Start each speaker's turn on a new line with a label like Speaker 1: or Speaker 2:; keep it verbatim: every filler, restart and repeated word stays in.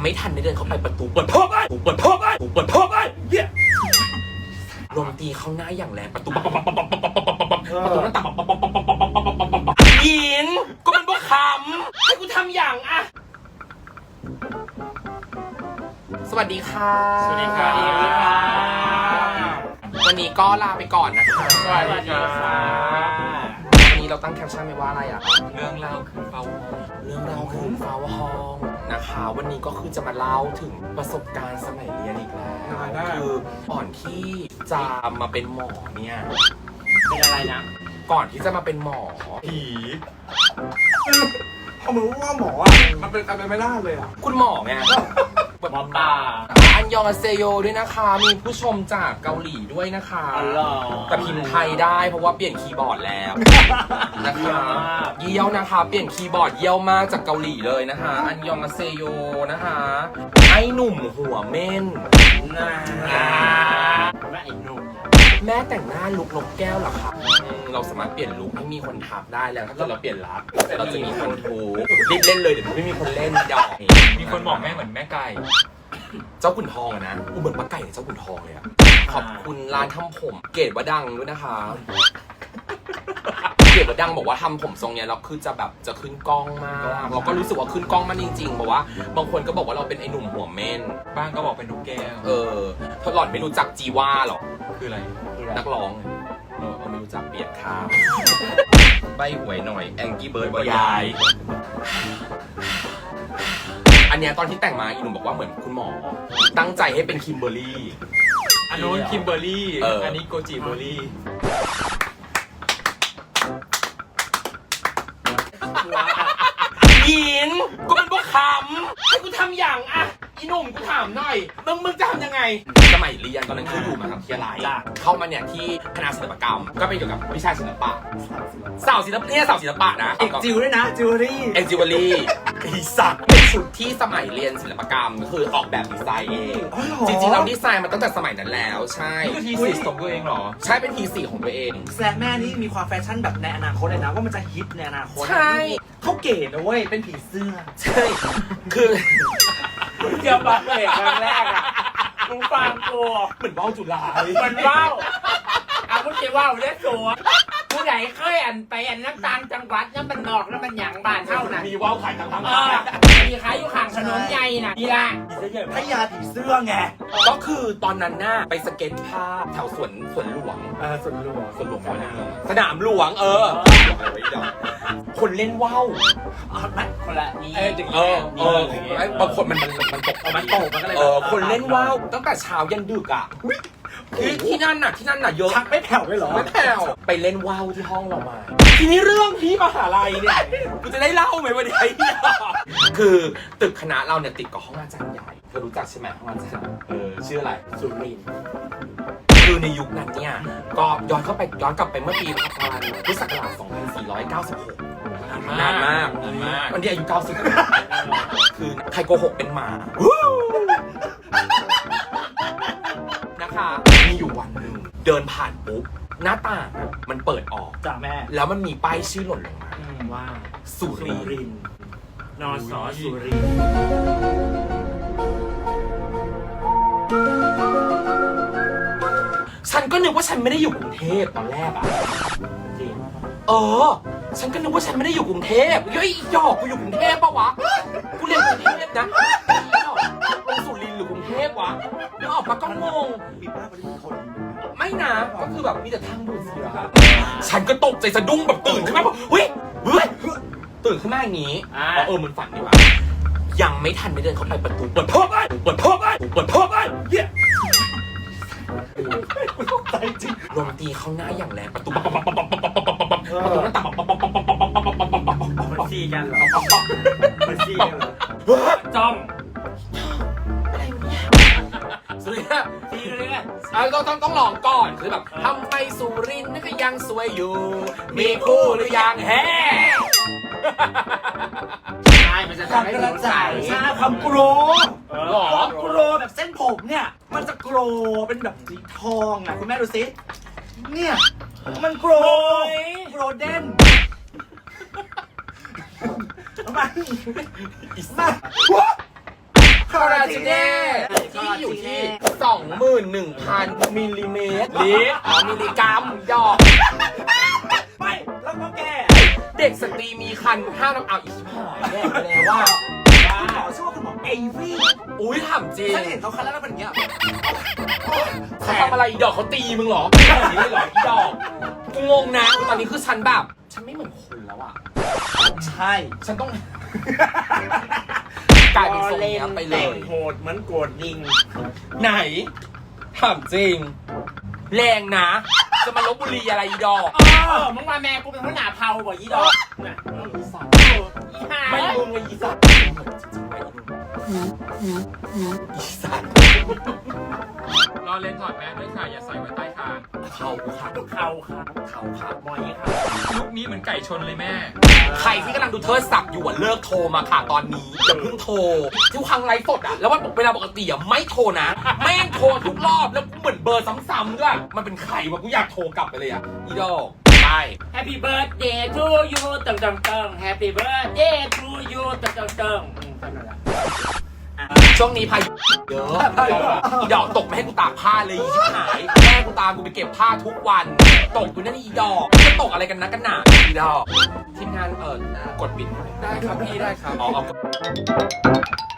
Speaker 1: ไม่ทันได้เดินเข้าไปประตูเปิดเพิ่มไอ้เปิดเพิ่มไอ้เปิดเพิ่มไอ้เหี้ยลมตีเข้าหน้าอย่างแรงประตูประตูหน้าต่างยินก็มันบ่ขำให้กูทำอย่างอะสวัสดีค่ะ
Speaker 2: สวัสดีค่ะ
Speaker 1: วันนี้ก็ลาไปก่อนนะคะ
Speaker 2: สวัสดีค่ะ
Speaker 1: วันนี้เราตั้งแคปชั่นไว้ว่าอะไรอะ
Speaker 2: เรื่องเล่าคือเฝ้าห้อง
Speaker 1: เรื่องเราคือเฝ้าห้องนะคะวันนี้ก็คือจะมาเล่าถึงประสบการณ์สมัยเรียนอีกแล้วคือก่อนที่จะมาเป็นหมอเนี่ย
Speaker 2: เป็นอะไรนะ
Speaker 1: ก่อนที่จะมาเป็นหมอ
Speaker 2: ผีเขาเหมือนว่าหมออ่ะมันเป็นอะไรไม่ได้เลยอ่ะ
Speaker 1: คุณหมอไง
Speaker 2: หมอตา
Speaker 1: อันยองอาเซโยด้วยนะคะมีผู้ชมจากเกาหลีด้วยนะคะแต่พิมพ์ไทยได้เพราะว่าเปลี่ยนคีย์บอร์ดแล้วนะคะเยี่ยวนะคะเปลี่ยนคีย์บอร์ดเยี่ยวมากจากเกาหลีเลยนะคะอันยองอาเซโยนะคะไอ้หนุ่มหัวเม่น
Speaker 2: น่าแม่ไอ้หนุ่ม
Speaker 1: แม่แต่งหน้าลุกนกแก้วเหรอครับเราสามารถเปลี่ยนลุคให้มีคนทักได้แล้วถ้าเกิดเราเปลี่ยนรักเราจะมีคนทูรีบเล่นเลยเดี๋ยวไม่มีคนเล่นดอก
Speaker 2: มีคนบอกแม่เหมือนแม่ไก่
Speaker 1: เจ้าขุนทองอะนะอุเหมือนปลาไก่เจ้าขุนทองเลยอะขอบคุณร้านทำผมเกรดว่าดังด้วยนะคะเกรดว่าดังบอกว่าทำผมทรงเนี้ยเราคือจะแบบจะขึ้นกล้องมากเราก็รู้สึกว่าขึ้นกล้องมันจริงๆบอกว่าบางคนก็บอกว่าเราเป็นไอ้หนุ่มหัวเม่น
Speaker 2: บ้างก็บอกเป็นนกแก้ว
Speaker 1: เออถ้าหล่อนไม่รู้จักจีว่าหรอ
Speaker 2: คืออะไร
Speaker 1: นักร้องเออไม่รู้จักเปลี่ยนข้าวใบหวยหน่อยแองกี้เบิร์ดบอยายอันเนี้ยตอนที่แต่งมาอีหนุ่มบอกว่าเหมือนคุณหมอตั้งใจให้เป็นคิมเบอร์รี่
Speaker 2: อันนู้นคิมเบอร์รี่อันนี้โกจิเบอร์รี่
Speaker 1: ยินก็มันบ่ขำให้กูทำอย่างอะอีหนุ่มกูถามหน่อยมึงมึงจะทำยังไงสมัยเรียนตอนนั้นคืออยู่มหาวิทยาลัยเข้ามาเนี่ยที่คณะศิลปกรรมก็เป็นเกี่ยวกับวิชาศิลปะสาวศิลปะเนี่ยสาวศิลปะนะ
Speaker 2: เอกจิวด้วยนะจิวเวลรี่
Speaker 1: เอกจิวเวลรี่ไอ้สักเป็นชุดที่สมัยเรียนศิลปกรรมก็คือออกแบบดีไซน์เองจริงๆเราดีไซน์มาตั้งแต่สมัยนั้นแล้วใช่
Speaker 2: นี่คือทีสี่ของตัวเองหรอ
Speaker 1: ใช่เป็นทีสี่ของตัวเอง
Speaker 3: แซมแม่นี่มีความแฟชั่นแบบในอนาคตเลยนะว่ามันจะฮิตในอนาคต
Speaker 1: ใช่
Speaker 3: เขาเก๋นะเว้ยเป็นผีเสื้อ
Speaker 1: ใช่คือ
Speaker 3: เกี่ยวกับเอกครั้งแรกอ่ะมึงฟังกู
Speaker 1: เหมือนว่าวจุฬา
Speaker 3: เหมือนว่าวเอาพูดจริงว่าวเล่นตัวผู้ใหญ่เคยอันไปอันน้ำตาลจังหวัดน้ำมันนอกน้ำมันหยางบ้านเท่านั้น
Speaker 1: มีว่าวขายทั้งทั้ง
Speaker 3: มีขายอยู่ข้างถนนใหญ่น่ะดีละพยาผีเสื้อไง
Speaker 1: ก็คือตอนนั้นน่ะไปสเก็ตภาพแถวสวนสวนหลวง
Speaker 3: เออสวนหลวง
Speaker 1: สวนหลวงสนามหลวงเออคนเล่นว่าว
Speaker 3: มันคนละนี่
Speaker 1: เออเออบางคนมันมันมันตก
Speaker 3: มันตกมันก็เลย
Speaker 1: เออคนเล่นว่าวตั้งแต่เช้ายันดึกอ่ะที่ที่นั่นน่ะที่นั่นน่ะเยอะ
Speaker 3: ชักไม่แผ่วเลยเหรอ
Speaker 1: ไม่แผ่วไปเล่นว่าวที่ห้องเรามาทีนี้เรื่องที่มหาลัยเนี่ยกูจะได้เล่าไหมวันนี้คือตึกคณะเราเนี่ยติดกับห้องอาจารย์ใหญ่เธอรู้จักใช่ไหมห้องอาจารย์เออชื่ออะไร
Speaker 3: สุรินทร์
Speaker 1: คือในยุคนั้นเนี่ยก็ย้อนเข้าไปย้อนกลับไปเมื่อปีประมาณพุทธศักราชสองพันสี่ร้อยเก้าสิบหกนานมาก
Speaker 2: นานมาก
Speaker 1: วันที่อายุเก้าสิบคือใครโกหกเป็นหมานะคะมีอยู่วันหนึ่งเดินผ่านปุ๊บหน้าต่างมันเปิดออก
Speaker 3: จ้าแม่
Speaker 1: แล้วมันมีป้ายชื่อหล่นลงมา
Speaker 3: ว่า
Speaker 1: สุรินทร์
Speaker 3: นสสุรินทร์
Speaker 1: ฉันก็นึกว่าฉันไม่ได้อยู่กรุงเทพตอนแรกอะ
Speaker 3: จริง
Speaker 1: เออฉันก็นึกว่าฉันไม่ได้อยู่กรุงเทพเฮ้ยหยอกกูอยู่กรุงเทพปะวะกูเรียนกรุงเทพนะลงสุรินทร์หรือกรุงเทพวะแล้วออกมาก็งง
Speaker 3: มีป้าปฏิบัติคน
Speaker 1: ไม่นะก็คือแบบมีแต่ทางดูดเสียฉันก็ตกใจสะดุ้งแบบตื่นขึ้นมาแบบเฮ้ยเฮ้ยตื่นขึ้นมาอย่างนี้เออมันฝันดีว่ะยังไม่ทันได้เดินเข้าไปประตูเปิดเพิ่มไอ้เปิดเพิ่มไอ้เปิดเพิ่มไอ้เหี้ย
Speaker 3: ใจจริง
Speaker 1: ลมตีเข้าหน้าอย่างแรงประตูประตูหน้าต่าง
Speaker 3: มันซีกันเหรอมันซีกันเหรอจ้อง
Speaker 1: สุรินทร์ซีเลยอ่ะต้องต้องต้องลองก่อนคือแบบทำไปสุรินทร์นี่ก็ยังสวยอยู่มีคู่หรือยังแฮ่
Speaker 3: ใช่มันจะทำให้กระจายใช่ความโกรธหรอโกรธแบบเส้นผมเนี่ยมันจะโกรธเป็นแบบสีทองอ่ะคุณแม่ดูสิเนี่ยมันโกรธโกรธเด่นทำไมอีสัตว์ใคร
Speaker 1: จิเน่ที่อยู่ที่ สองหมื่นหนึ่งพัน มิลลิเมตร
Speaker 2: ลิตร
Speaker 1: อ๋อมิลลิกรัมดอก
Speaker 3: ไม่แล้วก็แก
Speaker 1: เด็กสตรีมีคันห้ามนำเอาอีกหายแน่ไปแล้วว่า
Speaker 3: คุณหมอชื่อว่าคุณหมอเอวี่
Speaker 1: อุ้ยถามจริง
Speaker 3: ฉันเห็นเขาคันแล้วแล้วเป็นอย่างเงี้ย
Speaker 1: เขาทำอะไรอีดอกเขาตีมึงเหรอแบบนี้เลยเหรออีดอกกูงงนะตอนนี้คือฉันแบบ ฉันไม่เหมือนคนแล้วอ่ะ
Speaker 3: ใช่
Speaker 1: ฉันต้อง กลายเป็นทรงเนี้ยไปเล
Speaker 2: แต่
Speaker 1: ย
Speaker 2: งโหดเหมือนโกดลิง
Speaker 1: ไหนถามจริง แรงนะ จะมาลบบุรีอะไรอีดอก
Speaker 2: เออมึงมาแม่กูเป็นหัวหน้าเผาบ่ยี่ดอกน่ะ
Speaker 1: อีสัตว์
Speaker 2: อีห่า
Speaker 1: ไม่มึงเลยอีสัตว์อีสัตว์
Speaker 2: รอเล่นถอดแมสด้วยค่ะอย่าใส่ไว้ใต้คาง
Speaker 1: เขาค่ะ
Speaker 2: เขาค่ะ
Speaker 1: เขาค่ะ
Speaker 2: มอยค่ะลุกนี้เหมือนไก่ชนเลยแม่
Speaker 1: ใครที่กำลังดูเทิดศักดิ์อยู่อ่ะเลิกโทรมาค่ะตอนนี้อย่าเพิ่งโทรทุกครั้งไลฟ์สดอ่ะแล้ววันเวลาปกติอ่ะไม่โทรนะแม่งโทรทุกรอบแล้วเหมือนเบอร์ซ้ำๆด้วยมันเป็นใครวะกูอยากโทรกลับไปเลยอ่ะอีดอกไป
Speaker 2: Happy birthday to you ตึงตึงตึง Happy birthday to you ตึงตึงตึงอืมเท่านั้นแหละ
Speaker 1: ช่วงนี้พายุเยอะอีดอกตกไม่ให้กูตากผ้าเลยอีชิบหายแม่กูตามกูไปเก็บผ้าทุกวันตกอยู่นั่นอีดอกจะตกอะไรกันนักกันหนาอีดอกทีมงานเออกดปิดได้ครับพี่ได้ครับอ๋อเอา